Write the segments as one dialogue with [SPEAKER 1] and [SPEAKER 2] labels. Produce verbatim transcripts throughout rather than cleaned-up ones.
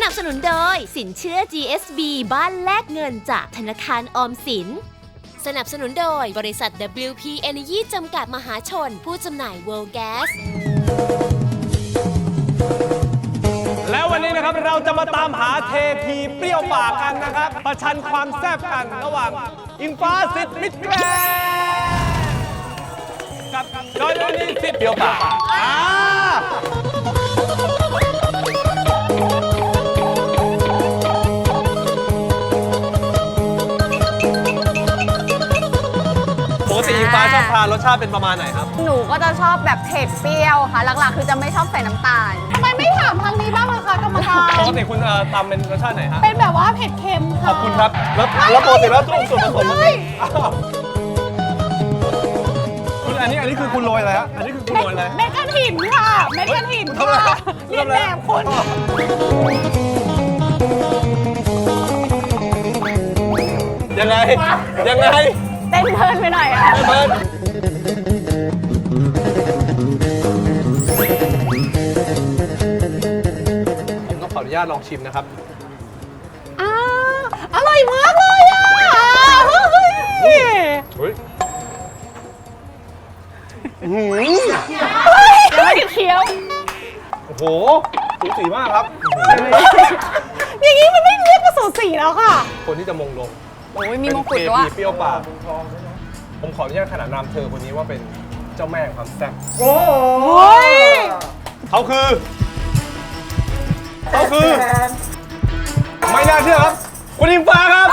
[SPEAKER 1] นับสนุนโดยสินเชื่อ จี เอส บี บ้านแลกเงินจากธนาคารออมสินสนับสนุนโดยบริษัท ดับเบิลยู พี Energy จำกัดมหาชนผู้จำหน่าย World Gas
[SPEAKER 2] แล้ววันนี้นะครับเราจะมาตามหาเทพีเปรี้ยวปากกันนะครับประชันความแซ่บกันระหว่างอิงฟ้าสิทธิ์มิตรแกรนด์กับจอยวันนี้สิทธิ์เปรี้ยวปากอ่าปกติอิงฟ้าชอบทานรสชาติเป็นประมาณไหนครับ
[SPEAKER 3] หนูก็จะชอบแบบเผ็ดเปรี้ยวค่ะหลักๆคือจะไม่ชอบใส่น้ำตาลทำไมไม่ถามทางนี้บ้างล่ะคะกรรมการ
[SPEAKER 2] ปกติคุณตำเป็นรสชาติไหนฮะ
[SPEAKER 3] เป็นแบบว่าเผ็ดเค็มค่ะ
[SPEAKER 2] ขอบคุณครับแล้วแล้วปกติแล้วส่วนผสมมันคุณอันนี้อันนี้คือคุณโรยอะไรฮะอันนี้คือคุณโรยอะไร
[SPEAKER 3] เม็ดกระถิ่นค่ะเม็ดกระถิ่นค่ะเรียนแบบคน
[SPEAKER 2] ยังไงยังไง
[SPEAKER 3] เต้นเพลินไปหน่อยอ่ะ
[SPEAKER 2] เพลินผมต้องขออนุญาตลองชิมนะครับ
[SPEAKER 3] อ้าอร่อยมากเลยอ่ะเฮ้ย
[SPEAKER 2] เฮ้ยหืม
[SPEAKER 3] ไม่เคี้ยว
[SPEAKER 2] โอ้โหสูสีมากครับ
[SPEAKER 3] อย่างนี้มันไม่เรียกว่าสูสีแล้วค่ะ
[SPEAKER 2] คนที่จะมงลง
[SPEAKER 3] โอ้ยมีมงกุฎด้วย
[SPEAKER 2] เปรี้ยวปากผมขออนุญาตขนานนามเธอคนนี้ว่าเป็นเจ้าแม่ความแซ่บโอ้
[SPEAKER 3] ย
[SPEAKER 2] เขาคือเขาคือไม่น่าเชื่อครับคุณอิงฟ้าครับ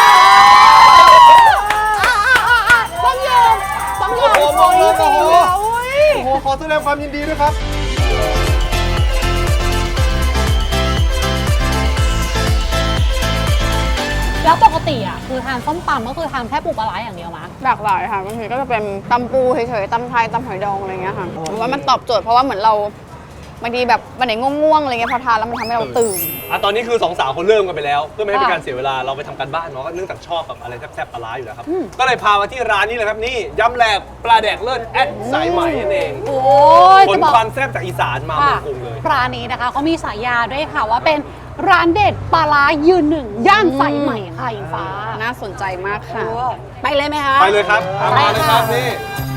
[SPEAKER 3] ต้องยอมต้องยอมโอ้โหโอ้โห
[SPEAKER 2] โอ้โหขอแสดงความยินดีด้วยครับ
[SPEAKER 4] แล้วปกติอ่ะคือทานส้มตำก็คือทานแค่ปูปลาไหลอย่างเดียวมั้ย
[SPEAKER 3] หลากหลายค่ะบางทีก็จะเป็นตำปูเฉยๆตำไทยตำหอยดองอะไรเงี้ยค่ะหรือว่ามันตอบโจทย์เพราะว่าเหมือนเราบางทีแบบวันไหนง่วงๆอะไรเงี้ยพอทานแล้วมันทำให้เราตื่น
[SPEAKER 2] อ่ะตอนนี้คือสองสาวคนเริ่มกันไปแล้วเพื่อไม่ให้เป็นการเสียเวลาเราไปทำการบ้านเนาะก็เนื่องจากชอบแบบอะไรแซ่บๆปลาไหลอยู่แล้วครับก็เลยพามาที่ร้านนี้เลยครับนี่ยำแหลกปลาแดกเลิศแอดสายไหมนั่นเอง
[SPEAKER 4] โอ้ย
[SPEAKER 2] ผลความแซ่บจากอีสานมาเมืองกรุงเลย
[SPEAKER 4] ร้านนี้นะคะเขามีฉายาด้วยค่ะว่าเป็นร้านเด็ดปลาร้ายืนหนึ่งย่านสายไหมค่ะอิงฟ้า
[SPEAKER 3] น่าสนใจมากค่ะ
[SPEAKER 4] ไปเลยไหมคะ
[SPEAKER 2] ไปเลยครับมาเลยครับนี่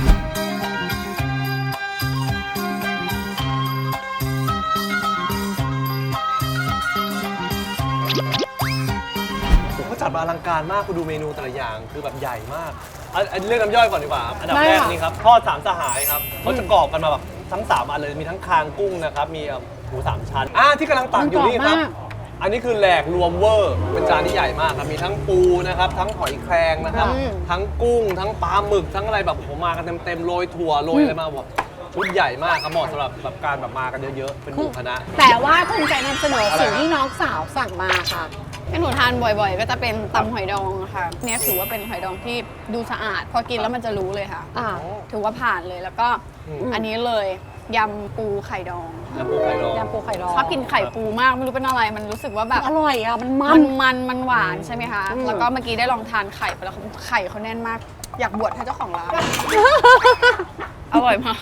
[SPEAKER 2] ผมก็จัดมาอลังการมากคุณดูเมนูแต่ละอย่างคือแบบใหญ่มากอันเรื่องน้ำย่อยก่อนดีกว่าอันดับแรกนี่ครับทอดสามสหายครับเขาจะกรอบกันมาแบบทั้งสามอันเลยมีทั้งคางกุ้งนะครับมีหมูสามชั้นอ่าที่กำลังตักอยู่นี่ครับอันนี้คือแหลกรวมเวอร์เป็นจานที่ใหญ่มากครับมีทั้งปูนะครับทั้งหอยแครงนะครับทั้งกุ้งทั้งปลาหมึกทั้งอะไรแบบผมมากันเต็มๆโรยถั่วโรยอะไรมาแบบชุดใหญ่มากครับเหมาะสำหรับแบบการแบบมากันเยอะๆเป็นหมู่คณะ
[SPEAKER 4] แต่ว่าคุณใจนำเสนอสิ่งที่น้องสาวสั่งมาค่ะ
[SPEAKER 3] ที่หนูทานบ่อยๆก็จะเป็นตำหอยดองค่ะเนี่ยถือว่าเป็นหอยดองที่ดูสะอาดพอกินแล้วมันจะรู้เลยค่ะถือว่าผ่านเลยแล้วก็อันนี้เลยยำปูไข่ดอง
[SPEAKER 2] ยำปูไข่ดอง
[SPEAKER 4] ยำปูไข่ดอง
[SPEAKER 3] ชอบกินไข่ปูมากไม่รู้เป็นอะไรมันรู้สึกว่าแบบ
[SPEAKER 4] อร่อยอ่ะมัน
[SPEAKER 3] มันมันมันหวานใช่ไหมคะแล้วก็เมื่อกี้ได้ลองทานไข่ไปแล้วไข่เขาแน่นมากอยากบวชให้เจ้าของร้านอร่อยมาก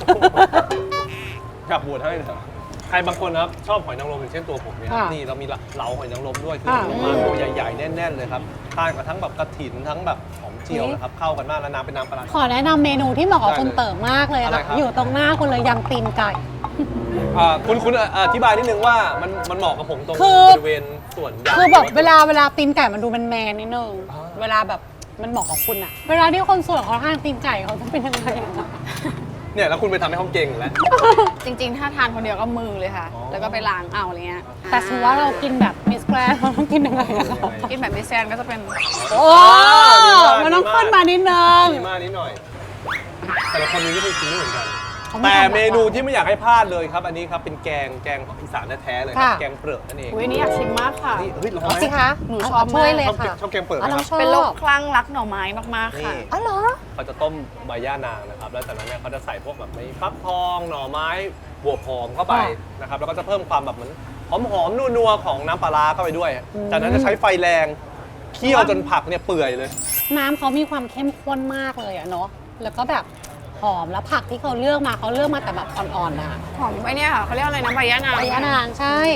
[SPEAKER 2] อยากบวชให้เถอะใครบางคนนะครับชอบหอยนางรมอย่างเช่นตัวผมเนี่ยนี่เรามีเหลาหอยนางรมด้วยคือมาตัวใหญ่ๆแน่นๆเลยครับทานกับทั้งแบบกระถิ่นทั้งแบบหอมเจียวนะครับเข้ากันมากแล้วน้ำเป็นน้ำปลา
[SPEAKER 4] ขอแนะนำเมนูที่เหมาะกับคุณเติมมากเลยค่ะอยู่ตรงหน้าคุณเลยยำตีนไก่
[SPEAKER 2] คุณคุณอธิบายนิดนึงว่ามันมันเหมาะกับผมตรงบริเวณส่วน
[SPEAKER 4] คือแบบเวลาเวลาตีนไก่มันดูแมนๆนิดนึงเวลาแบบมันเหมาะกับคุณอะเวลาที่คนส่วนเขาทานตีนไก่เขาจะเป็นยังไง
[SPEAKER 2] เนี่ยแล้วคุณไปทำให้เขาเก่งแล้ว
[SPEAKER 3] จริงๆถ้าทานคนเดียวก็มือเลยค่ะแล้วก็ไปล้างเอาอะไรเงี้ย
[SPEAKER 4] แต่ถือว่าเรากินแบบมิสแกรนเราต้องกินยังไง
[SPEAKER 3] กินแบบมิสแกรนก็จะเป็น
[SPEAKER 4] โอ้มันต้องขึ้นมานิดนึง
[SPEAKER 2] มีมานิดหน่อยแต่ละคนมีวิธีกินไม่เหมือนกันแต่เมนูที่ไม่อยากให้พลาดเลยครับอันนี้ครับเป็นแกงแกงของอีสานแท้ๆเลยแกงเปลือกนั่นเอง
[SPEAKER 3] อุ้ยนี่อยากชิมมากค่ะ
[SPEAKER 2] นี่เฮ้ยลอง
[SPEAKER 4] ไหมสิคะ
[SPEAKER 3] หนูชอบมาก
[SPEAKER 4] เลยค่ะ
[SPEAKER 2] ชอบแกงเปลือกนะครับ
[SPEAKER 3] เป็นโรคคลั่งรักหน่อไม้มากๆค่ะ
[SPEAKER 4] อ๋อเหรอ
[SPEAKER 2] เขาจะต้มใบย่านางนะครับแล้วจากนั้นเนี่ยเขาจะใส่พวกแบบในฟักทองหน่อไม้บัวหอมเข้าไปนะครับแล้วก็จะเพิ่มความแบบเหมือนหอมๆนัวๆของน้ำปลาร้าเข้าไปด้วยจากนั้นจะใช้ไฟแรงเคี่ยวจนผักเนี่ยเปื่อยเลย
[SPEAKER 4] น้ำเขามีความเข้มข้นมากเลยอะเนาะแล้วก็แบบหอมแล้วผักที่เขาเลือกมาเขาเลือกมาแต่แบบอ่อนๆนะ
[SPEAKER 3] หอมไอ้นี่ค่ะเขาเรียกอะไรนะใบยะนาง
[SPEAKER 4] ใบยะนางใช่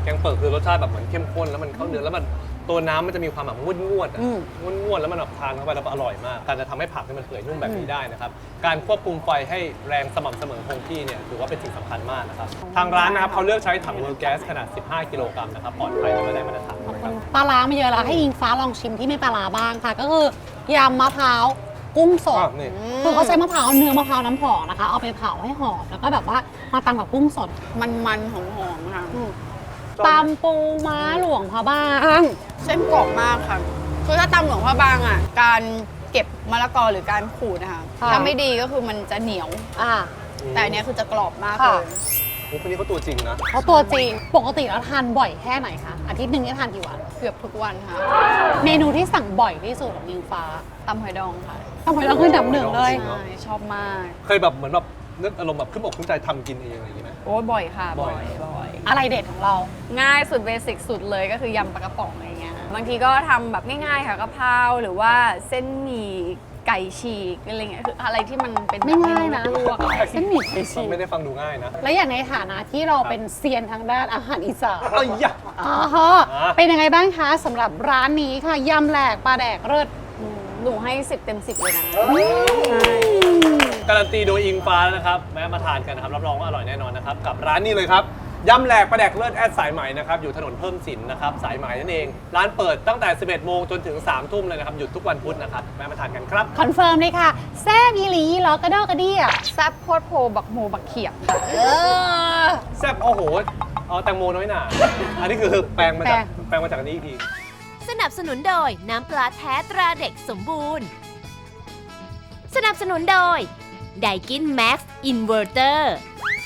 [SPEAKER 2] แกงเปิดคือรสชาติแบบเหมือนเข้มข้นแล้วมันเข้าเนื้อแล้วมันตัวน้ำมันจะมีความแบบงวดงวดๆอะ
[SPEAKER 3] อืม
[SPEAKER 2] งวดงวดๆแล้วมันแบบทานเข้าไปแล้วอร่อยมาก การจะทำให้ผักให้มันเปื่อยนุ่มแบบนี้ได้นะครับ การควบคุมไฟให้แรงสม่ำเสมอคงที่เนี่ยถือว่าเป็นสิ่งสำคัญมากนะครับ ทางร้านนะครับเขาเลือกใช้ถังเวอร์แก๊สขนาด สิบห้า กิโลกรัมนะครับปลอดภัยและไม่ได้มาตรฐานนะครับ
[SPEAKER 4] ปลาร้ามาเยอะแล้วให้อิงฟ้าลองชิมที่ไม่ปลาร้าบ้างค่ะ ก็คือยำมะพร้าวกุ้งสด
[SPEAKER 2] อ้าวนี่
[SPEAKER 4] คือเขาใช้มะพร้าวเนื้อมะพร้าวน้ำหอมนะคะ เอาไปเผาให้หอมแล้วก็แบบว่ามาตำกับกุ้งสด
[SPEAKER 3] มันๆหอมๆค่ะ
[SPEAKER 4] ตำปูม้าหลวงพระบาง
[SPEAKER 3] เส้นกรอบมากค่ะ คือถ้าตำหลวงพระบางอ่ะ การเก็บมะละกอหรือการขูดนะคะ
[SPEAKER 4] ค่ะ
[SPEAKER 3] ถ้าไม่ดีก็คือมันจะเหนียว
[SPEAKER 4] อ่า
[SPEAKER 3] แต่อันเนี้ยคือจะกรอบมาก
[SPEAKER 4] ค่ะ
[SPEAKER 3] เลย
[SPEAKER 2] โอ้คนนี้เขาตัวจริงนะ
[SPEAKER 4] เขาตัวจริงปกติแล้วทานบ่อยแค่ไหนคะอาทิตย์หนึ่งนี่ทานกี่วัน
[SPEAKER 3] เกือบทุกวันค่ะ
[SPEAKER 4] เมนูที่สั่งบ่อยที่สุดของอิงฟ้า
[SPEAKER 3] ตำหอยดองค่ะ
[SPEAKER 4] ต้องไปลองขึ้นดับหนึ่งเลย
[SPEAKER 3] ใช่ชอบมาก
[SPEAKER 2] เคยแบบเหมือนแบบนึกอารมณ์แบบขึ้นอกขึ้นใจทำกินเองอะไรอย่างงี้ไหม
[SPEAKER 3] โอ้ยบ่อยค่ะ
[SPEAKER 2] บ่
[SPEAKER 3] บ่
[SPEAKER 2] อ
[SPEAKER 3] อย ยบ่อย
[SPEAKER 4] อะไรเด็ดของเรา
[SPEAKER 3] ง่ายสุดเบสิกสุดเลยก็คือยำปลากระป๋องอะไรเงี้ย บางทีก็ทำแบบง่ายๆค่ะกะเพราหรือว่าเส้นหมี่ไก่ฉีกอะไรเงี้ย คืออะไรที่มันเป็น
[SPEAKER 4] ไม่ง่ายนะ
[SPEAKER 3] เมลวกอะ
[SPEAKER 4] เส้นหมี่ไก่ฉีก
[SPEAKER 2] ไม่ได้ฟังดูง่ายนะ
[SPEAKER 4] และอย่างในฐานะที่เราเป็นเซียนทางด้านอาหารอีสาน
[SPEAKER 2] เอ้ยยะ
[SPEAKER 4] อ๋อฮะเป็นยังไงบ้างคะสำหรับร้านนี้ค่ะยำแหลกปลาแดกเลิศ
[SPEAKER 3] อืมหนูให้สิบเต็มสิบเลยนะ
[SPEAKER 2] การันตีโดยอิงฟ้านะครับแม้มาทานกันนะครับรับรองว่าอร่อยแน่นอนนะครับกับร้านนี้เลยครับยำแหลกปลาแดกเลิศแอดสายไหมนะครับอยู่ถนนเพิ่มสินนะครับสายไหมนั่นเอง ร้านเปิดตั้งแต่ สิบเอ็ดโมงจนถึง สามทุ่มเลยนะครับหยุดทุกวันพุธนะครับแม้มาทานกันครับ
[SPEAKER 4] คอนเฟิร์มเลยค่ะแซ่บอีหลีล้อกระดอกกระเดี่ย
[SPEAKER 3] แซ่บโคตรโพบักโมบักเขียบค่ะ
[SPEAKER 4] เออ
[SPEAKER 2] แซ่บโอ้โหเอาแตงโมน้อยหนาอันนี้คือแปลงมาจากแปลงมาจากอันนี้อีกที
[SPEAKER 1] สนับสนุนโดยน้ำปลาแท้ตราเด็กสมบูรณ์ สนับสนุนโดยไดกินแม็กซ์อินเวอร์เตอร์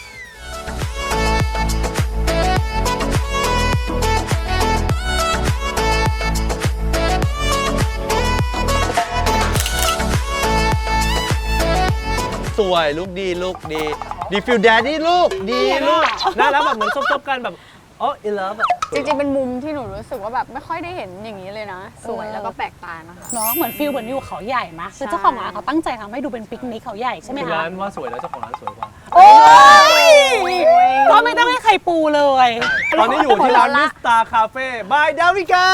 [SPEAKER 2] สวยลูกดีลูกดีดีฟิลแดดดี้ลูกดีลูกน่ารักแบบเหมือนซบๆกันแบบอ๋ออินเลิฟอะ
[SPEAKER 3] จริงๆ เป็นมุมที่หนูรู้สึกว่าแบบไม่ค่อยได้เห็นอย่างนี้เลยนะ สวยแล้วก็แปลกตานะคะ
[SPEAKER 4] เนาะเหมือนฟิลเหมือนอยู่เขาใหญ่มะคือเจ้าของร้านเขาตั้งใจทำให้ดูเป็นปิกนิกเขาใหญ่ใช่ไหมคะ
[SPEAKER 2] ร้านว่าสวยแล้วเจ้าของร้านสวยกว่า
[SPEAKER 4] โอ้ยก็ไม่ต้องให้ใครปูเลย
[SPEAKER 2] ตอนนี้อยู่ที่ร้านมิสตาคาเฟ่บายดาวิกา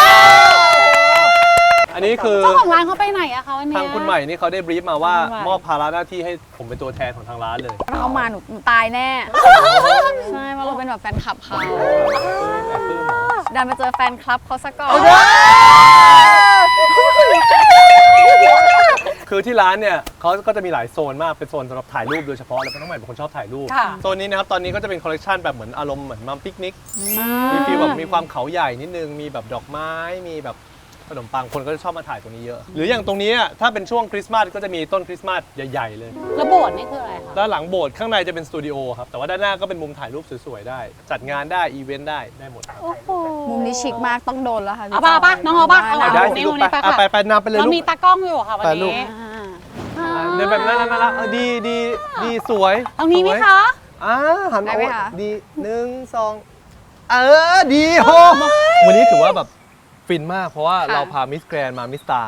[SPEAKER 2] อันนี้คือ
[SPEAKER 4] เจ้าของร้านเขาไปไหนอะคะวันเนี้ย
[SPEAKER 2] ทางคุณใหม่นี่เขาได้บรีฟมาว่า
[SPEAKER 4] คุณใหม่
[SPEAKER 2] มอบภาระหน้าที่ให้ผมเป็นตัวแทนของทางร้านเลย
[SPEAKER 3] เข้ามาหนูหนูตายแน่ ใช่เพราะเราเป็นแบบแฟนคลับเขา
[SPEAKER 2] แอบปลื้มเหรอ
[SPEAKER 3] ดันไปเจอแฟนคลับเขาซะก่อน
[SPEAKER 2] คือที่ร้านเนี่ยเขาก็จะมีหลายโซนมากเป็นโซนสำหรับถ่ายรูปโดยเฉพาะแล้วน้องใหม่เป็นคนชอบถ่ายรูป
[SPEAKER 4] ค่ะ
[SPEAKER 2] โซนนี้นะครับตอนนี้ก็จะเป็นคอลเลกชันแบบเหมือนอารมณ์เหมือนมัมปิกนิกมีฟีลแบบมีความเขาใหญ่นิดนึงมีแบบดอกไม้มีแบบขนมปังคนก็จะชอบมาถ่ายตรงนี้เยอะ หรืออย่างตรงนี้อะถ้าเป็นช่วงคริสต์มาสก็จะมีต้นคริสต์มาสใหญ่ๆเลย
[SPEAKER 4] แล้วโบสถ์นี่คืออะไรคะ
[SPEAKER 2] ด้านหลังโบสถ์ข้างในจะเป็นสตูดิโอครับแต่ว่าด้านหน้าก็เป็นมุมถ่ายรูปสวยๆได้ จัดงานได้อีเวนต์ได้ได้หมดครับ
[SPEAKER 4] โอ้โห
[SPEAKER 3] มุมนี้ชิคมากต้องโดนแล้วค่ะ
[SPEAKER 4] เอาป่ะเอาป่ะน้องเอาป่ะเอา
[SPEAKER 3] ได้
[SPEAKER 4] ป่ะ
[SPEAKER 2] ได้
[SPEAKER 3] ได้
[SPEAKER 2] สิ
[SPEAKER 4] นี่
[SPEAKER 2] ลูก
[SPEAKER 4] นี่
[SPEAKER 2] ไป
[SPEAKER 4] ไป
[SPEAKER 2] อ่ะ
[SPEAKER 4] ค่ะ
[SPEAKER 2] ไปไปนำไปเลย
[SPEAKER 4] เรา
[SPEAKER 2] ลูก
[SPEAKER 4] มีตากล้องอยู่ค่ะวัน
[SPEAKER 2] ไปลูก
[SPEAKER 4] นี้
[SPEAKER 3] อ่า
[SPEAKER 2] อ่ะเดินแบบนั้นน่ารักเออดีดีดีสวย
[SPEAKER 4] ตรงนี้ไหม
[SPEAKER 2] สวย
[SPEAKER 4] คะ
[SPEAKER 2] อ่าหัน
[SPEAKER 3] ได้ไหมคะ
[SPEAKER 2] ดีหนึ่งสองเออดีโหวันนี้ถือว่าแบบฟินมากเพราะว่าเราพามิสแกรนมามิสตา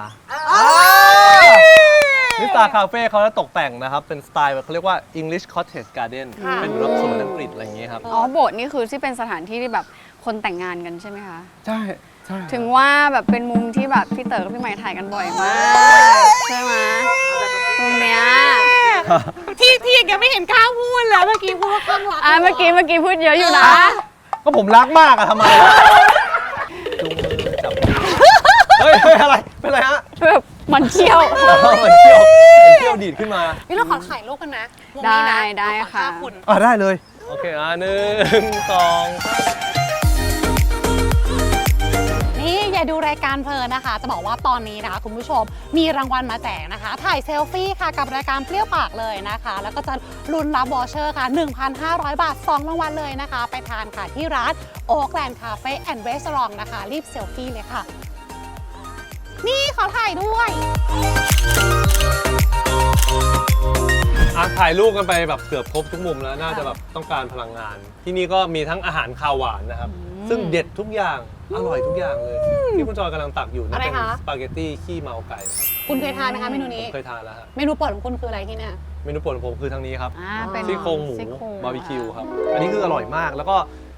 [SPEAKER 2] มิสตาคาเฟ่เขาจะตกแต่งนะครับ เป็นสไตล์แบบเขาเรียกว่า English Cottage Garden
[SPEAKER 4] ค่ะ
[SPEAKER 2] เป็นรถสวนอังกฤษอะไรอย่างเงี้ยครับ
[SPEAKER 3] อ๋อโบสถ์นี่คือที่เป็นสถานที่ที่แบบคนแต่งงานกันใช่ไหมคะ
[SPEAKER 2] ใช่ใช่
[SPEAKER 3] ถึงว่าแบบเป็นมุมที่แบบพี่เต๋อกับพี่ใหม่ถ่ายกันบ่อยมากใช่ไหมมุมเนี้ย
[SPEAKER 4] ที่ที่ยังไม่เห็นกล้าพูดแล้วเมื่อกี้พูดว่าข้างหลัง
[SPEAKER 3] อ่ะเมื่อกี้เมื่อกี้พูดเยอะอยู่นะ
[SPEAKER 2] ก็ผมรักมากอะทำไมอะจูงมือจับเฮ้ยเฮ้ยอะไรเป็นไรฮะ
[SPEAKER 3] แบบมันเชี่ยว
[SPEAKER 2] เหมือนเที่ยวเหมือนเที่ยวดีดขึ้นมา
[SPEAKER 4] นี่เราขอถ่ายรูปกันนะวงนี้นะ
[SPEAKER 3] ได้ได้
[SPEAKER 4] ขอ
[SPEAKER 3] ค่ะ
[SPEAKER 4] ภาพคุณ
[SPEAKER 2] อ่ะได้เลย โอเค อ่ะหนึ่งสอง
[SPEAKER 4] นี่อย่าดูรายการเพลินนะคะ จะบอกว่าตอนนี้นะคะคุณผู้ชมมีรางวัลมาแจกนะคะ ถ่ายเซลฟี่ค่ะกับรายการเปรี้ยวปากเลยนะคะ แล้วก็จะลุ้นรับวอเชอร์ค่ะ หนึ่งพันห้าร้อย บาท สอง รางวัลเลยนะคะ ไปทานค่ะที่ร้านโอ๊กแลนด์คาเฟ่แอนด์รีสอร์ทนะคะ รีบเซลฟี่เลยค่ะ นี่ขอถ่ายด้วย
[SPEAKER 2] อ่ะถ่ายรูปกันไปแบบเกือบครบทุกมุมแล้ว น่าจะแบบต้องการพลังงาน ที่นี่ก็มีทั้งอาหารคาวหวานนะครับ ซึ่งเด็ดทุกอย่าง อร่อยทุกอย่างเลย ที่คุณจอยกำลังตักอยู่นั่น
[SPEAKER 4] อะไร
[SPEAKER 2] เป็น
[SPEAKER 4] คะ
[SPEAKER 2] สปาเกตตี้ขี้เมาไก่ครับ
[SPEAKER 4] คุณเคยทานไหมคะเมนู
[SPEAKER 2] ผ
[SPEAKER 4] นี้
[SPEAKER 2] มเคยทานแล้วฮะ
[SPEAKER 4] เมนูโปรดของคุณคืออะไรที่เนี่ย
[SPEAKER 2] เมนูโปรดของผมคือทางนี้ครับ
[SPEAKER 3] อ่าเป็น
[SPEAKER 2] ซี่โครงหมู
[SPEAKER 3] ซี่โครง
[SPEAKER 2] บาร์บีคิวครับ อันนี้คืออร่อยมาก แล้วก็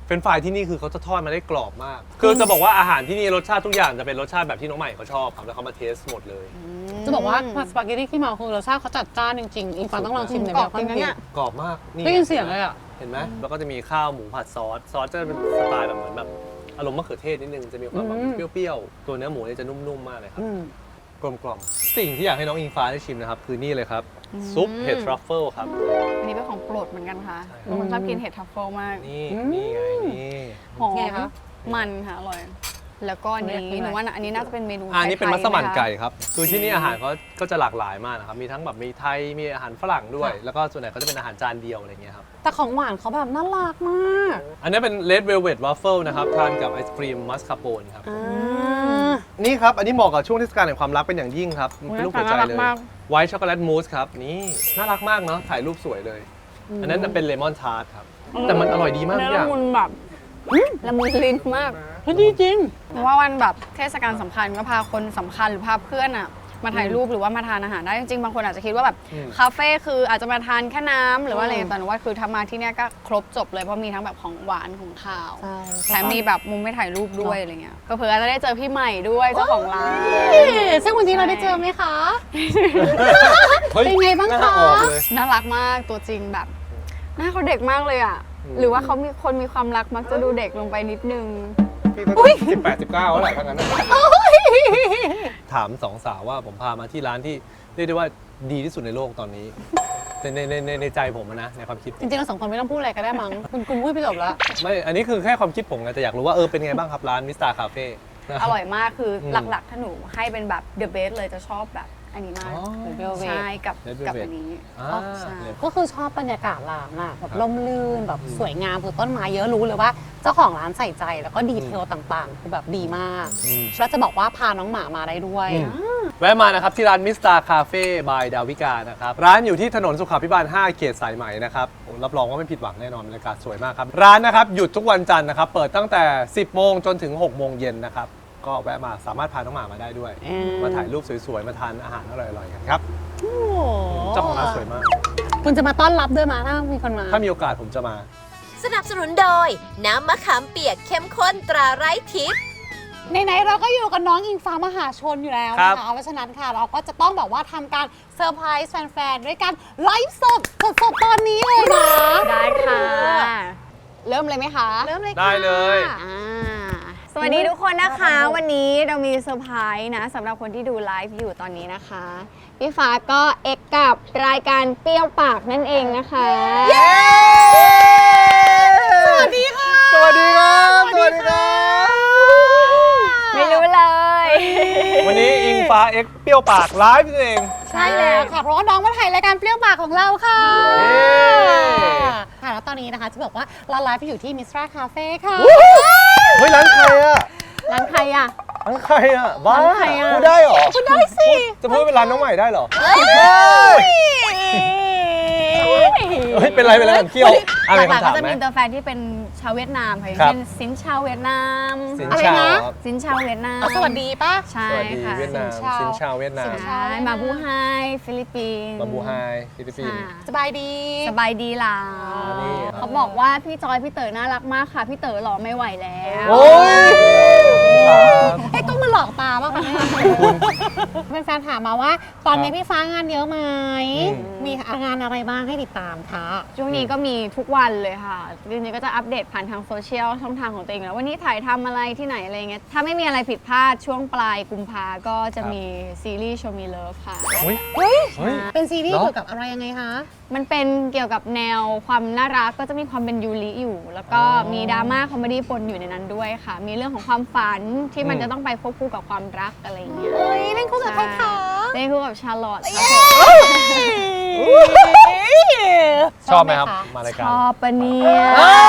[SPEAKER 2] เฟรนช์ฟรายที่นี่คือเขาจะทอดมาได้กรอบมาก คือจะบอกว่าอาหารที่นี่รสชาติทุกอย่างจะเป็นรสชาติแบบที่น้องใหม่เขาชอบครับแล้วเขามาเทสหมดเลย
[SPEAKER 4] จะบอกว่าสปาเกตตี้ขี้เมาคือรสชาติเขาจัดจ้านจริงๆอิงฟ้าต้องลองชิมในแบบความจริง
[SPEAKER 2] กรอบมากนี่
[SPEAKER 4] ได้ยินเสียงเลยอ่ะ
[SPEAKER 2] เห็นไหมแล้วก็จะมีข้าวหมูผัดซอสซอสจะเป็นสไตล์แบบเหมือนแบบอารมณ์มะเขือเทศนิดนึงจะมีความแบบเปรี้ยวๆตัวเนื้อหมูเนี่ยจะนุ่มๆมากเลยครับกลมกล่อมสิ่งที่อยากให้น้องอิงฟ้าได้ชิมนะครับคือนี่เลยครับซุปเห็ดทรัฟเฟิลครับ
[SPEAKER 3] อันนี้เป็นของโปรดเหมือนกันค่ะบางคนชอบกินเห็ดทัฟเฟิลมาก
[SPEAKER 2] นี่นี่ไงนี่
[SPEAKER 3] หอม
[SPEAKER 4] ไงคะ
[SPEAKER 3] มันค่ะอร่อย แล้วก็อันนี้หนูว่าอันนี้น่าจะเป็นเมนู
[SPEAKER 2] อันนี้เป็น
[SPEAKER 3] ไทยๆ
[SPEAKER 2] มัสมั่น
[SPEAKER 3] ไหคะ
[SPEAKER 2] ไก่ครับคือที่นี่อาหารเขาก็จะหลากหลายมากนะครับมีทั้งแบบมีไทยมีอาหารฝรั่งด้วย แล้วก็ส่วนใหญ่ก็จะเป็นอาหารจานเดียวอะไรเงี้ยครับ
[SPEAKER 4] แต่ของหวานเขาแบบน่ารักมาก
[SPEAKER 2] อันนี้เป็น Red Velvet Waffle นะครับทานกับไอศครีมมัสคาโปนครับ
[SPEAKER 4] อ่า
[SPEAKER 2] นี่ครับ อันนี้เหมาะกับช่วงเทศกาลแห่งความรักเป็นอย่างยิ่งครับมันเป็นรูปหัวใจ
[SPEAKER 3] น่ารัก
[SPEAKER 2] เลย
[SPEAKER 3] มาก
[SPEAKER 2] ไวท์ช็อกโกแลตมูสครับ นี่น่ารักมากเนาะถ่ายรูปสวยเลย อันนั้นเป็นเลมอนทาร์ตครับ แต่มันอร่อยดีมากทุ
[SPEAKER 3] เนื้
[SPEAKER 2] กอ
[SPEAKER 3] อ
[SPEAKER 2] ย่าง
[SPEAKER 3] ละมุนแบบละมุนลิ้นมาก
[SPEAKER 4] เฮ้ยดีจริง
[SPEAKER 3] เพราะว่าวันแบบเทศกาลสำคัญก็พาคนสำคัญหรือพาเพื่อนอะมาถ่ายรูปหรือว่ามาทานอาหารได้จริงๆบางคนอาจจะคิดว่าแบบคาเฟ่คืออาจจะมาทานแค่น้ำหรือว่าอะไรแต่หนูว่าคือถ้ามาที่เนี้ยก็ครบจบเลยเพราะมีทั้งแบบของหวานของข้าว
[SPEAKER 4] ใช่
[SPEAKER 3] แถมมีแบบมุมไม่ถ่ายรูปด้วยอะไรเงี้ยก็เผื่อจะได้เจอพี่ใหม่ด้วยเจ้าของร้าน
[SPEAKER 4] ซึ่งวันนี้เราได้เจอไหมคะ
[SPEAKER 2] ฮ้ย
[SPEAKER 4] เป็นไงบ้างคะ
[SPEAKER 2] หน้ออกเลย
[SPEAKER 3] น่ารักมากตัวจริงแบบหน้าเขาเด็กมากเลยอ่ะ
[SPEAKER 2] อืม
[SPEAKER 3] หรือว่าเขามีคนมีความรักมักจะดูเด็กลงไปนิดนึง
[SPEAKER 2] พี่ก็สิบแปดสิบเก้าแล้วแหละทั้งนั้นนะถามสองสาวว่าผมพามาที่ร้านที่เรียกได้ว่าดีที่สุดในโลกตอนนี้ในในในในใจผมอะนะในความคิดผม
[SPEAKER 4] จริงๆเราสองคนไม่ต้องพูดอะไรก็ได้มั้ง คุณคุณพูดไปจบแล้ว
[SPEAKER 2] ไม่ อันนี้คือแค่ความคิดผมไงแต่อยากรู้ว่าเออเป็นไงบ้างครับร้านมิสตาคาเฟ่
[SPEAKER 3] อร่อยมากคืออ
[SPEAKER 2] ม
[SPEAKER 3] หลักๆ ถ้าหนูให้เป็นแบบ the best เลยจะชอบแบบอันนี้มาก
[SPEAKER 2] อ๋อ
[SPEAKER 3] ใช่กับ
[SPEAKER 2] Red
[SPEAKER 3] กับ
[SPEAKER 2] Velvet
[SPEAKER 3] อันนี้
[SPEAKER 2] อ่า
[SPEAKER 3] ใช่
[SPEAKER 4] ก็คือชอบบรรยากาศร้านอะแบบร่มรื่นแบบสวยงามคือต้นไม้เยอะรู้เลยว่าเจ้าของร้านใส่ใจแล้วก็ดีเทลต่างๆคือแบบดีมาก
[SPEAKER 2] อืม
[SPEAKER 4] แล้วจะบอกว่าพาน้องหมามาได้ด้วย
[SPEAKER 2] แวะมานะครับ ที่ร้านมิสตาคาเฟ่บายดาวิกานะครับ ร้านอยู่ที่ถนนสุขาภิบาล ห้า เขตสายไหมนะครับโอ้รับรองว่าไม่ผิดหวังแน่นอนบรรยากาศสวยมากครับ ร้านนะครับ หยุดทุกวันจันทร์นะครับ เปิดตั้งแต่ สิบโมงจนถึง หกโมงเย็นนะครับ ก็แวะมาสามารถพาน้องหมามาได้ด้วย
[SPEAKER 4] อืม
[SPEAKER 2] มาถ่ายรูปสวยๆ มาทานอาหารอร่อยๆกันครับ
[SPEAKER 4] โอ้
[SPEAKER 2] เจ้าของร้านสวยมาก
[SPEAKER 4] คุณจะมาต้อนรับด้วยมาถ้ามีคนมา
[SPEAKER 2] ถ้ามีโอกาสผมจะมา
[SPEAKER 1] สนับสนุนโดย น้ำมะขามเปียกเข้มข้นตราไร้ทิพย์
[SPEAKER 4] ไหนๆเราก็อยู่กับน้องอิงฟ้ามหาชนอยู่แล้ว
[SPEAKER 2] ครั
[SPEAKER 4] นะ
[SPEAKER 2] บ
[SPEAKER 4] คะเพราะฉะนั้นค่ะเราก็จะต้องแบบว่าทำการเซอร์ไพรส์แฟนๆด้วยการไลฟ์สดสดๆตอนนี้เลยนะ
[SPEAKER 3] ได้ค่ะ เริ่มเลยไหมคะ
[SPEAKER 4] เริ่มเลยค่ะ
[SPEAKER 2] ได้เลย
[SPEAKER 3] อ่าสวัสดีทุกคนนะคะ วันนี้เรามีเซอร์ไพรส์นะสำหรับคนที่ดูไลฟ์อยู่ตอนนี้นะคะ พี่ฟ้าก็เอกกับรายการเปรี้ยวปากนั่นเองนะคะ
[SPEAKER 4] สวัสดีค่ะ
[SPEAKER 2] สวัสดีครับ สวัสดีครับ
[SPEAKER 3] ไม่รู้เลย
[SPEAKER 2] วันนี้อิงฟ้าเอ็กเปรี้ยวปากไลฟ์นั่นเอง
[SPEAKER 4] ใช่แล้วค่ะ เพราะว่าน้องมาถ่ายรายการเปรี้ยวปากของเราค่ะ
[SPEAKER 2] เย้
[SPEAKER 4] ค่ะแล้วตอนนี้นะคะจะบอกว่าเราไลฟ์อยู่ที่มิสตราคาเฟ่ค่ะ
[SPEAKER 2] เฮ้ยร้านใครอะ
[SPEAKER 3] ร้านใครอ่ะ
[SPEAKER 2] ร้านใครอะบ้า
[SPEAKER 3] ร้านใครอะ
[SPEAKER 2] พูดได้เหรอ
[SPEAKER 4] คุณได้สิ
[SPEAKER 2] จะพูดเป็นร้านน้องใหม่ได้เหรอ เฮ้ย เป็นไรเป็นไรผมเคี่ยวอะไร
[SPEAKER 3] หลัก
[SPEAKER 2] คำ
[SPEAKER 3] ๆ
[SPEAKER 2] ถา
[SPEAKER 3] ก็
[SPEAKER 2] ม
[SPEAKER 3] จะ
[SPEAKER 2] ไหม
[SPEAKER 3] มีตัวแฟนที่เป็นชาวเวียดนามค่ะอย่าง
[SPEAKER 2] ครับ
[SPEAKER 3] เช่นซินชาวเวียดนาม
[SPEAKER 2] สิน
[SPEAKER 4] อะไร
[SPEAKER 2] ชาว
[SPEAKER 4] นะ
[SPEAKER 2] ครับ
[SPEAKER 3] ซินชาวเวียดนาม
[SPEAKER 4] เอาสวัสดีป่ะ
[SPEAKER 3] ใช่
[SPEAKER 2] สวัสดี
[SPEAKER 3] ค่ะ
[SPEAKER 2] เวียดนาม
[SPEAKER 4] สินชาว
[SPEAKER 2] สินชาวเวียดนาม
[SPEAKER 3] ใช่มาบูไฮฟิลิปปินส์
[SPEAKER 2] มาบูไฮฟิลิปปินส์
[SPEAKER 3] ค่ะ
[SPEAKER 4] สบายดี
[SPEAKER 3] สบายดีล่ะ
[SPEAKER 2] นี่
[SPEAKER 3] เขาบอกว่าพี่จอยพี่เต๋อน่ารักมากค่ะ พี่เต๋อหล่อไม่ไหวแล้ว
[SPEAKER 2] โอ้ยครับ
[SPEAKER 4] เอ้ยต้องมาหลอกตาป่ะคะเนี่ยแฟนๆถามมาว่า ตอนนี้พี่ฟ้างานเยอะไหม
[SPEAKER 2] อืม
[SPEAKER 4] มีงานอะไรบ้างให้ติดตามคะ
[SPEAKER 3] ช่วงนี้ก็มีทุกวันเลยค่ะจริงๆก็จะอัปเดตผ่านทางโซเชียลช่องทางของตัวเองแล้ววันนี้ถ่ายทำอะไรที่ไหนอะไรเงี้ยถ้าไม่มีอะไรผิดพลาดช่วงปลายกุมภาก็จะมีซีรีส์โชมีเลิฟค่ะ
[SPEAKER 2] เฮ้ย
[SPEAKER 4] เฮ้ย
[SPEAKER 2] เฮ้ย
[SPEAKER 4] เป็นซีรีส์
[SPEAKER 2] เหรอ
[SPEAKER 4] เกี่ยวกับอะไรยังไงคะ
[SPEAKER 3] มันเป็นเกี่ยวกับแนวความน่ารักก็จะมีความเป็นยูริอยู่ แล้วก็มีดราม่าคอมเมดี้ปนอยู่ในนั้นด้วยค่ะ มีเรื่องของความฝันที่มันจะต้องไปควบคู่กับความรักอะไรอย่างเงี้ย
[SPEAKER 4] เฮ้ยเล่นคู่กับใครคะ
[SPEAKER 3] เล่นคู่กับชาร์ลอตครับ
[SPEAKER 2] ชอบไหมครับ มาราย
[SPEAKER 3] ช
[SPEAKER 2] การ
[SPEAKER 3] อบปะเนี่ย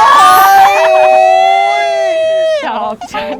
[SPEAKER 3] ชอบฉัน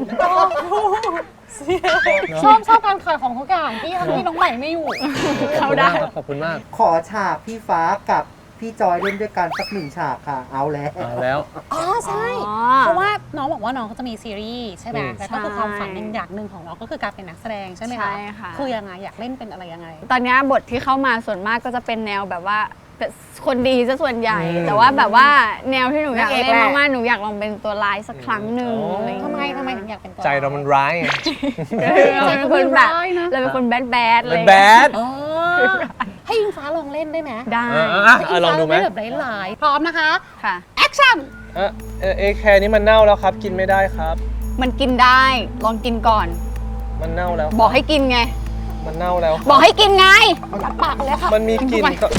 [SPEAKER 4] ชอบชอบการขายของทุกอย่างที่ทำให้น้องใหม่ไม่อยู่
[SPEAKER 3] เขาได้
[SPEAKER 2] ขอบคุณมาก
[SPEAKER 5] ขอฉากพี่ฟ้ากับพี่จอยเล่นด้วยกันสักหนึ่งฉากค่ะ เอาแล้ว
[SPEAKER 2] เอาแล้ว
[SPEAKER 4] อ๋อใช่
[SPEAKER 3] อ๋อ
[SPEAKER 4] เพราะว่าน้องบอกว่าน้องเขาจะมีซีรีส์ใช่ไหม
[SPEAKER 2] อืม
[SPEAKER 4] แล้วก็คือ
[SPEAKER 3] ใช่
[SPEAKER 4] ความฝันหนึ่งอย่างหนึ่งของน้องก็คือการเป็นนักแสดงใช่ไหมคะ
[SPEAKER 3] ใช่ค่ะ
[SPEAKER 4] คือยังไงอยากเล่นเป็นอะไรยังไง
[SPEAKER 3] ตอนนี้บทที่เข้ามาส่วนมากก็จะเป็นแนวแบบว่าคนดีซะส่วนใหญ่
[SPEAKER 2] อืม
[SPEAKER 3] แต่ว่าแบบว่าแนวที่หนูอยาก
[SPEAKER 4] นางเอก
[SPEAKER 3] เล่น
[SPEAKER 4] แหละ
[SPEAKER 3] มากๆหนูอยากลองเป็นตัวร้ายสักครั้งหนึ่ง
[SPEAKER 2] อ๋ออ
[SPEAKER 3] อะไรอย่าง
[SPEAKER 4] ทำไม
[SPEAKER 3] เงี้ย
[SPEAKER 4] ทำไมถึงอยากเป็นตัว
[SPEAKER 2] ใจเรามันร้ายไง
[SPEAKER 3] เราเป็นคนแบบ
[SPEAKER 4] ร้ายนะ
[SPEAKER 3] เราเป็นคนแบดแบดเลย
[SPEAKER 2] แบด
[SPEAKER 4] เออให้อิงฟ้าลองเล่นได้ไหม
[SPEAKER 3] ได้
[SPEAKER 2] เอออ่ะอ่ะลองดูไหม
[SPEAKER 4] ให้อิฟ้าเล่นแบบหลายๆพร้อมนะคะ
[SPEAKER 3] ค่ะ
[SPEAKER 4] แอคชั่น
[SPEAKER 2] เออเออเอแคร์นี่มันเน่าแล้วครับ กินไม่ได้ครับ
[SPEAKER 3] มันกินได้ลองกินก่อน
[SPEAKER 2] มันเน่าแล้ว
[SPEAKER 3] บอกให้กินไง
[SPEAKER 2] มันเน่าแล้ว
[SPEAKER 3] บอกให้กินไง
[SPEAKER 4] ยัดปากเลยค่ะ
[SPEAKER 2] มันมีกลิ่นก็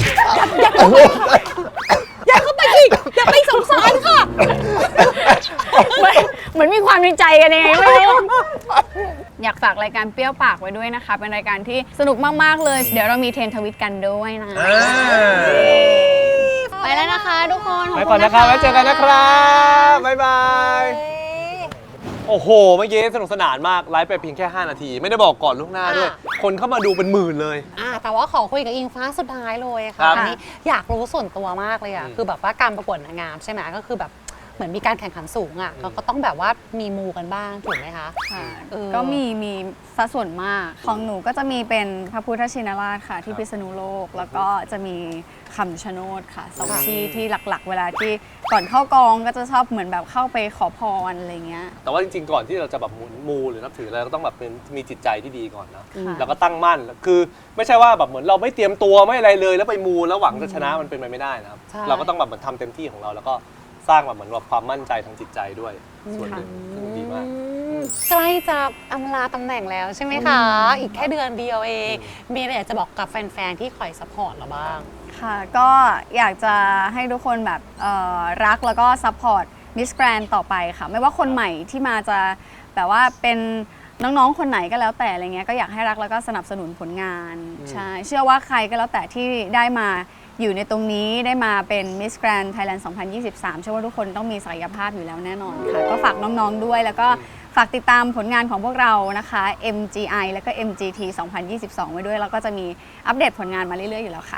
[SPEAKER 4] อย่าเข้าไปอีกอย่าไปสงสารค่ะ
[SPEAKER 3] เหมือนเหมือนมีความในใจกันยังไงไม่รู้ อยากฝากรายการเปรี้ยวปากไว้ด้วยนะคะ เป็นรายการที่สนุกมาก ๆ เลย เดี๋ยวเรามีเทรนทวิตกันด้วยนะ
[SPEAKER 2] อ่า
[SPEAKER 3] ไปแล้วนะคะทุกคน
[SPEAKER 2] ไปก่อนนะครับไว้เจอกันนะครับ บ๊ายบาย โอ้โห เมื่อกี้สนุกสนานมาก ไลฟ์ไปเพียงแค่ ห้า นาที ไม่ได้บอกก่อนล่วงหน้าด้วย คนเข้ามาดูเป็นหมื่นเลย
[SPEAKER 4] อ่าแต่ว่าขอคุยกับอิงฟ้าสุดท้ายเลย
[SPEAKER 2] ครั
[SPEAKER 4] ค่ะ
[SPEAKER 2] บ
[SPEAKER 4] อันนี้อยากรู้ส่วนตัวมากเลยอ่ะ
[SPEAKER 2] อืม
[SPEAKER 4] คือแบบว่าการประกวดนางงามใช่ไหมก็คือแบบเหมือนมีการแข่งขันสูงอ่ะ
[SPEAKER 2] อืม
[SPEAKER 4] ก็ก็ต้องแบบว่ามีมูกันบ้างถูกไหมคะ
[SPEAKER 3] ค่ะ
[SPEAKER 4] เออ
[SPEAKER 3] ก็มีมีสัดส่วนมาก ของหนูก็จะมีเป็นพระพุทธชินราชค่ะ ที่พิษณุโลก แล้วก็จะมีคำชะโนดค่ะสอง
[SPEAKER 2] ค่ะ
[SPEAKER 3] ที่ที่หลักๆ เวลาที่ก่อนเข้ากองก็จะชอบเหมือนแบบเข้าไปขอพรอะไรเงี้ย
[SPEAKER 2] แต่ว่าจริงๆ ก่อนที่เราจะแบบมูมูหรือนับถืออะไรก็ต้องแบบเป็นมีจิตใจที่ดีก่อนนะ
[SPEAKER 3] ค่ะ
[SPEAKER 2] แล้วก็ตั้งมั่น คือไม่ใช่ว่าแบบเหมือนเราไม่เตรียมตัวไม่อะไรเลย แล้วไปมูแล้วหวังจะชนะมันเป็นไปไม่ได้นะครับ
[SPEAKER 4] ใช่
[SPEAKER 2] เราก็ต้องแบบเหมือนทำเต็มที่ของเรา แล้วก็สร้างแบบเหมือนแบบความมั่นใจทางจิตใจด้วย ส่วนหนึ่งซึ่งดีมาก
[SPEAKER 4] ใกล้จะอำลาตำแหน่งแล้วใช่ไหมคะ อีกแค่เดือนเดียวเอง มีอะไรอยากจะบอกกับแฟนๆ ที่คอยซัพพอร์ตเราบ้าง
[SPEAKER 3] ค่ะ ก็อยากจะให้ทุกคนแบบเอ่อรักแล้วก็ซัพพอร์ตมิสแกรนต่อไปค่ะ ไม่ว่าคนใหม่ที่มาจะแบบว่าเป็นน้องๆ คนไหนก็แล้วแต่อะไรเงี้ยก็อยากให้รักแล้วก็สนับสนุนผลงาน
[SPEAKER 2] อืม
[SPEAKER 3] ใช่เชื่อว่าใครก็แล้วแต่ที่ได้มาอยู่ในตรงนี้ได้มาเป็นมิสแกรนไทยแลนด์สองพันยี่สิบสามเชื่อว่าทุกคนต้องมีศักยภาพอยู่แล้วแน่นอนค่ะ ก็ฝากน้องๆด้วยแล้วก็ฝากติดตามผลงานของพวกเรานะคะ เอ็ม จี ไอ แล้วก็ เอ็ม จี ที สองพันยี่สิบสอง ไว้ด้วยแล้วก็จะมีอัปเดตผลงานมาเรื่อยๆอยู่แล้วค่ะ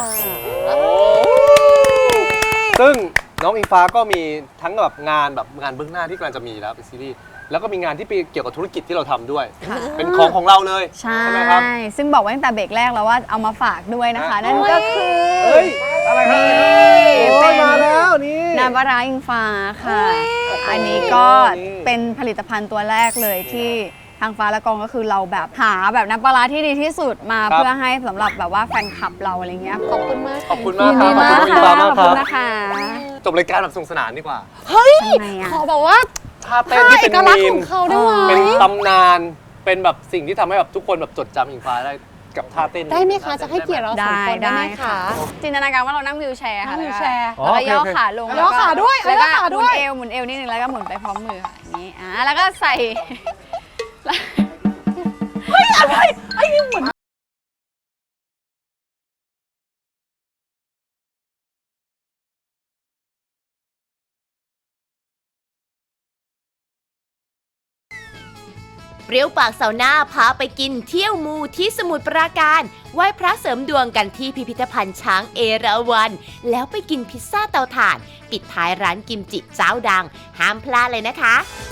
[SPEAKER 2] ซึ่งน้องอิงฟ้าก็มีทั้งแบบงานแบบงานเบื้องหน้าที่กำลังจะมีแล้วเป็นซีรีส์แล้วก็มีงานที่เกี่ยวกับธุรกิจที่เราทำด้วย
[SPEAKER 3] ค่ะ
[SPEAKER 2] เป็นของของเราเลย
[SPEAKER 3] ใช่
[SPEAKER 2] ไหมครับ
[SPEAKER 3] ซึ่งบอกไว้ตั้งแต่เบรกแรกแล้วว่าเอามาฝากด้วยนะคะ
[SPEAKER 2] อ่ะ
[SPEAKER 3] นั่นก็คือ
[SPEAKER 2] เฮ้ย อะไรครับ
[SPEAKER 3] นี่
[SPEAKER 2] โอ้
[SPEAKER 3] เป็
[SPEAKER 2] ย
[SPEAKER 3] น
[SPEAKER 2] มาแล้วนี่
[SPEAKER 3] น้ำปลาร้าอิงฟ้าค่ะ อันนี้ก็
[SPEAKER 2] นี่
[SPEAKER 3] เป็นผลิตภัณฑ์ตัวแรกเลยที่ทางฟ้าและกองก็คือเราแบบหาแบบน้ำปลาร้าที่ดีที่สุดมา
[SPEAKER 2] ครับ
[SPEAKER 3] เพื่อให้สำหรับแบบว่าแฟนคลับเราอะไรเงี้ย
[SPEAKER 4] ขอบคุณมาก
[SPEAKER 2] ขอบคุณมากครับ
[SPEAKER 3] ยินดี
[SPEAKER 2] ขอบคุณน้องอิงฟ้ามาก
[SPEAKER 3] ขอบ
[SPEAKER 2] ค
[SPEAKER 3] คุ
[SPEAKER 2] รั
[SPEAKER 3] ณ
[SPEAKER 2] บ
[SPEAKER 3] นะคะ
[SPEAKER 2] จบรายการแบบสนุกสนานดีกว่า
[SPEAKER 4] เฮ้ย
[SPEAKER 3] ทำไมอะ
[SPEAKER 4] ขอแบบว่า
[SPEAKER 2] ท่าเต้นที่เป็น
[SPEAKER 4] เอกลักษณ์
[SPEAKER 2] มี
[SPEAKER 4] ข
[SPEAKER 2] ม
[SPEAKER 4] องเขาได้ไหม
[SPEAKER 2] เป็นตำนาน เป็นแบบสิ่งที่ทำให้แบบทุกคนแบบจดจำอิงฟ้าได้กับท่าเต้น
[SPEAKER 4] ได้ไหมคะ จะให้เกียรติเราสองคนได้ไหมคะ
[SPEAKER 3] จินตนาการว่าเรานั่งวิวแชร์ค่ะ
[SPEAKER 4] นั่งวิวแชร์
[SPEAKER 3] แล้วก็ย่อขาลง
[SPEAKER 4] ย่อขาด้วย
[SPEAKER 3] แล้วก็
[SPEAKER 4] ย่อขา
[SPEAKER 3] ห
[SPEAKER 4] ด้
[SPEAKER 3] มุ
[SPEAKER 4] วน ย
[SPEAKER 3] เอวหมุนเอวนิดนึงแล้วก็หมุนไปพร้อมมือค่ะอย่างนี้อ่าแล้วก็ใส่
[SPEAKER 1] เปรี้ยวปากเสาร์หน้าพาไปกินเที่ยวมูที่สมุทรปราการไหว้พระเสริมดวงกันที่พิพิธภัณฑ์ช้างเอราวัณแล้วไปกินพิซซ่าเตาถ่าน ปิดท้ายร้านกิมจิเจ้าดัง ห้ามพลาดเลยนะคะ